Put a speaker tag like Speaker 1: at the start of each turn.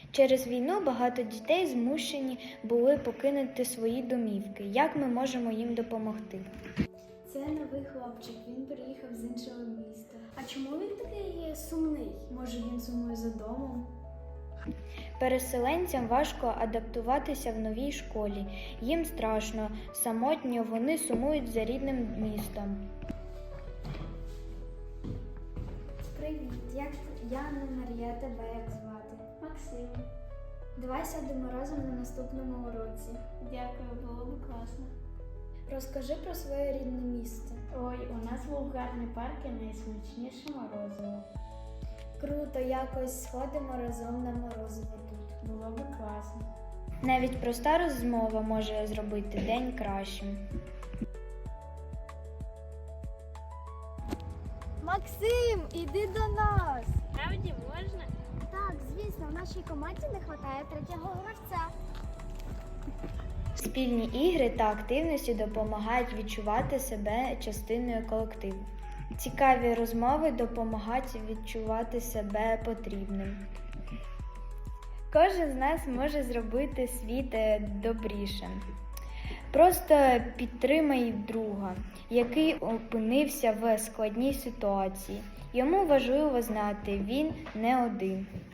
Speaker 1: Через війну багато дітей змушені були покинути свої домівки. Як ми можемо їм допомогти?
Speaker 2: Це новий хлопчик, він приїхав з іншого міста. А чому він такий сумний? Може, він сумує за домом?
Speaker 1: Переселенцям важко адаптуватися в новій школі. Їм страшно, самотньо, вони сумують за рідним містом.
Speaker 2: Привіт, я не Марія, тебе як звати? Максим. Давай сядемо разом на наступному уроці. Дякую, було б класно. Розкажи про своє рідне місто.
Speaker 3: Ой, у нас був гарний парк і найсмачніше морозиво.
Speaker 2: Круто, якось сходимо разом на морозиво тут.
Speaker 3: Було б класно.
Speaker 1: Навіть проста розмова може зробити день кращим.
Speaker 2: Максим, іди до нас!
Speaker 3: Справді можна?
Speaker 2: Так, звісно, в нашій команді не вистачає третього гравця.
Speaker 1: Спільні ігри та активності допомагають відчувати себе частиною колективу. Цікаві розмови допомагають відчувати себе потрібним. Кожен з нас може зробити світ добрішим. Просто підтримай друга, який опинився в складній ситуації. Йому важливо знати, він не один.